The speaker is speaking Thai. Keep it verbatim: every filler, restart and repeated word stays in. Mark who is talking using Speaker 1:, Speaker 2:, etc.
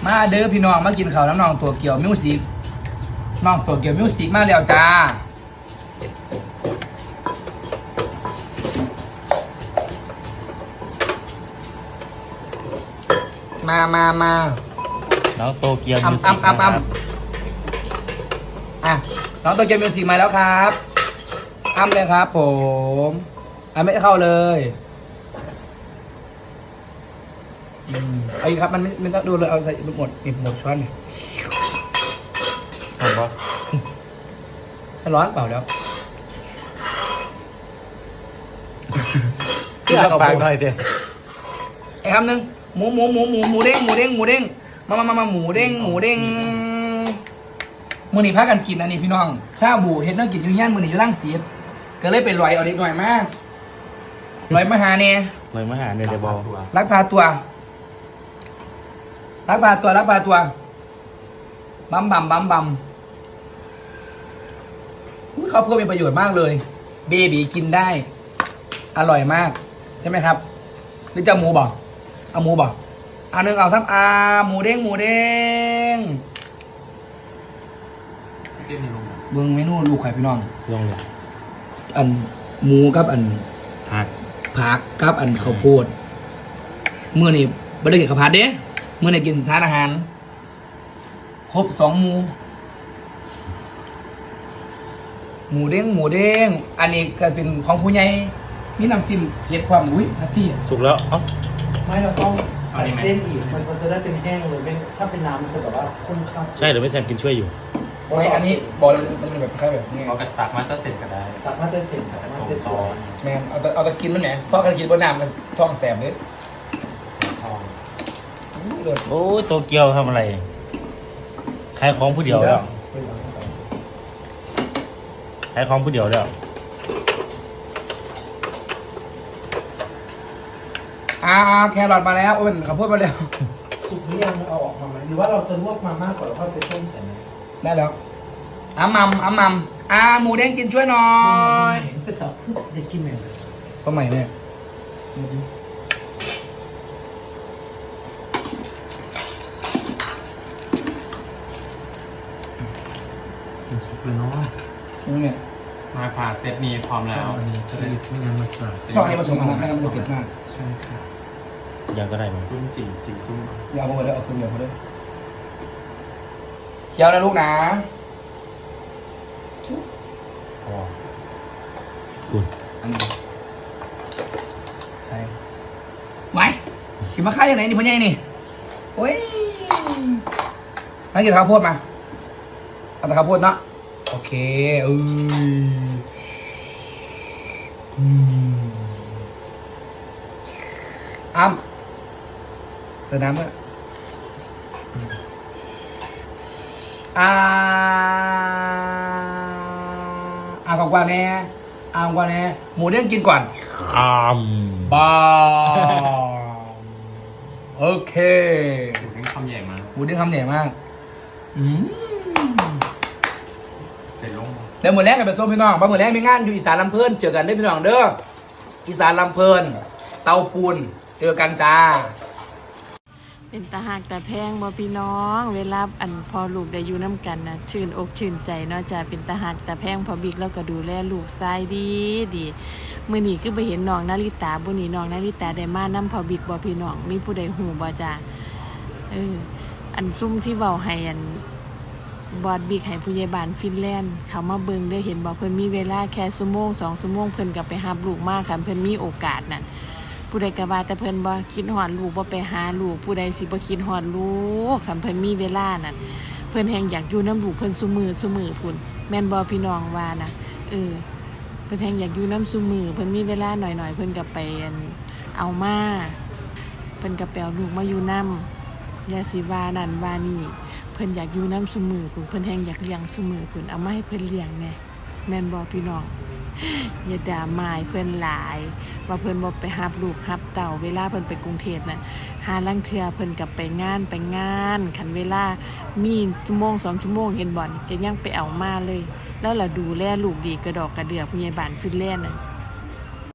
Speaker 1: มาเด้อพี่น้องมากินข้าวน้ำน้องตัวเกี่ยวมิวสิกน้องตัวเกี่ยวมิวสิกมาแล้วจ้ามามามา
Speaker 2: น้องโตเกียวมิวสิก
Speaker 1: อ่ำอ่ำอ่ำอ่ะน้องตัวเกียวมิวสิกมาแล้วครับอ้ำเลยครับผมอ่ะไม่เข้าเลยอืมเอาอีกครับมันไม่ไม่ต้องดูเลยเอาใส่หมดนี่หมดช้อนนี่
Speaker 2: ทำปะ
Speaker 1: ให้ร้อนเปล่าแล้ว
Speaker 2: เลือกปากหน่อยเดียว
Speaker 1: ไอ้คำหนึ่งหมูหมูหมูหมูหมูเด้งหมูเด้งหมูเด้งมามามามาหมูเด้งหมูเด้งมือนี่พากันกินอันนี้พี่น้องชาบูเห็ดน้องกินอยู่ย่านมือนี่อยู่ล่างเสียดก็เลยไปลอยเอาเด็กหน่อยมากลอยมาหาเนี่ย
Speaker 2: ลอยมาหาเนี่ยเดี๋ยวบอก
Speaker 1: รักพาตัวรักพาตัวรักพาตัวบัมบัมบัมบัมเขาเพื่อเป็นประโยชน์มากเลยเบบีกินได้อร่อยมากใช่ไหมครับหรือจะหมูบอกเอาหมูบอกอันนึงเอาทั้งอาหมูเด้งหมูเด้งเบิ้งเมนูลูกไข่พี่น้อง
Speaker 2: ลองเลย
Speaker 1: อันหมูกับอัน
Speaker 2: ผัก
Speaker 1: ผักกับอันข้าวโพดเมื่อนี่ไม่ได้กินข้าวผัดเด้เมื่อนี่กินสารอาหารครบสองหมูหมูเด้งหมูเด้งอันนี้ก็เป็นของผู้ใหญ่มีน้ำจิ้มเผ็ดความอุ้ยฮัตตี้
Speaker 2: สุกแล้วเอ้า
Speaker 3: ไม่เราต้องใส่เส้นอีกมันมันจะได้เป็นแห้งเลยเป็นถ้าเป็นน้ำมันจะแบบว่าข้นข้น
Speaker 2: ใช่หรือไม่แซมกินช่วยอยู่
Speaker 1: ไม่อันนี้บอกเลยมันเป็นแบบคล้ายแบบนี้
Speaker 4: เอากระตักมาตั้งเสร็จก็ได้
Speaker 3: ตักมาจะเสร็จตักมาเสร็จก่อน
Speaker 1: แมนเอาแต่เอาแต่กินแล้วเนี่ยเพราะการกินบนน้ำมันท้องแสบเลย
Speaker 2: โอ้โตเกียวทำอะไรขายของผู้เดียวแล้วขายของผู้เดียวแล้ว
Speaker 1: อ่าแครอทมาแล้วโอ้ยข้าวโพดมาแล้ว
Speaker 3: สุกหรือยังเอาออกมาไหมหรือว่าเราจะลวกมามากกว่าแล้วค่อยไปต้มใส่ไหม
Speaker 1: ได้แล้วอ้ามัมอ้ามัมอ่าหมูเด้งกินช่วยหน่อย
Speaker 3: เป็นตับคือเด็กกินไหม
Speaker 1: ก็ใหม่เนี่ย
Speaker 3: สุกเลยเนาะ
Speaker 1: นี่เนี่ย
Speaker 4: มาผ่าเซตนี้พร้อมแล้ว
Speaker 3: อันนี้จะได้ไม่งั้นมันจะ
Speaker 1: ตอนนี้ผสมกันนะไม่งั้นมันจะเผ็ดมาก
Speaker 3: ใช่ค่ะ
Speaker 2: ยังก็ได้มั้ง
Speaker 4: จุ้มจีจีจุ้ม
Speaker 1: อย่าเอาไปเลยเอาคืนเดียวเขาด้วยเคี้ยวนะลูกนะชุบอ๋อ
Speaker 2: คุณ
Speaker 1: อันนี้ใช่ไว้ขิมมาค่ายยังไงนี่พ่อใหญ่นี่โอ้ยให้กินข้าวโพดมาเอาแต่ข้าวโพดเนาะโอเคเอออ้ำเจอน้ำเมื่ออ่าอ่ากว่าแน่อ่ากว่าแน่หมูเด้งกินก่อน
Speaker 2: อ้าม
Speaker 1: บ้าโอเค
Speaker 4: หมูเด้งคำใหญ่มาก
Speaker 1: หมูเด้งคำใหญ่มากอืม
Speaker 4: เป็นลง
Speaker 1: เดี๋ยวหมดแรกกันไปต้มพี่น้องมาหมดแรกมีงานอยู่อีสานลำเพลินเจอกันได้พี่น้องเด้ออีสานลำเพลินเตาปูนเจอกันจ้า
Speaker 5: เป็นตาหักแต่แพงบ่พี่น้องเวลาอันพอลูกได้อยู่น้ำกันนะชื่นอกชื่นใจเนาะจ้าเป็นตาหักแต่แพงพอบิ๊กแล้วก็ดูแลลูกชายดีดีมื้อนี้คือไปเห็นน้องนาริตาบุนี้น้องนาริตาได้มานำพอบิ๊กบ่พี่น้องมีผู้ใดฮู้บ่จ้าเอออันซุ่มที่เว้าให้อันบอดบิ๊กให้ผู้ใหญ่บ้านฟินแลนด์เขามาเบิ่งได้เห็นบ่เพิ่นมีเวลาแค่ชั่วโมงสองชั่วโมงเพิ่นก็ไปรับลูกมาค่ะเพิ่นมีโอกาสนั่นผู้ใดก็ว่าแต่เพิ่นบ่คิดฮอดลูกบ่ไปหาลูกผู้ใดสิบ่คิดฮอดลูกคันเพิ่นมีเวลานั่นเพิ่นแฮงอยากอยู่นำลูกเพิ่นซุมื้อซุมื้อพุ่นแม่นบ่พี่น้องว่านะเออเพิ่นแฮงอยากอยู่นำซุมื้อเพิ่นมีเวลาหน่อยๆเพิ่นก็ไปเอามาเพิ่นก็ไปเอาลูกมาอยู่นำอย่าสิว่านั่นว่านี่เพิ่นอยากอยู่นำซุมื้อพุ่นเพิ่นแฮงอยากเลี้ยงซุมื้อพุ่นเอามาให้เพิ่นเลี้ยงแน่แม่นบ่พี่น้องอย่าด่าหมายเพิ่นหลายว่าเพิ่นบ่ไปรับลูกรับเต่าเวลาเพิ่นไปกรุงเทพน่ะหาลังเทื่อเพิ่นก็ไปงานไปงานคันเวลามีชั่วโมงสองชั่วโมงเห็นบ่ก็ยังไปเอามาเลยแล้วล่ะดูแลลูกดีกระดอกกระเดือผู้ใหญ่บ้านฟินแลนด์น่ะ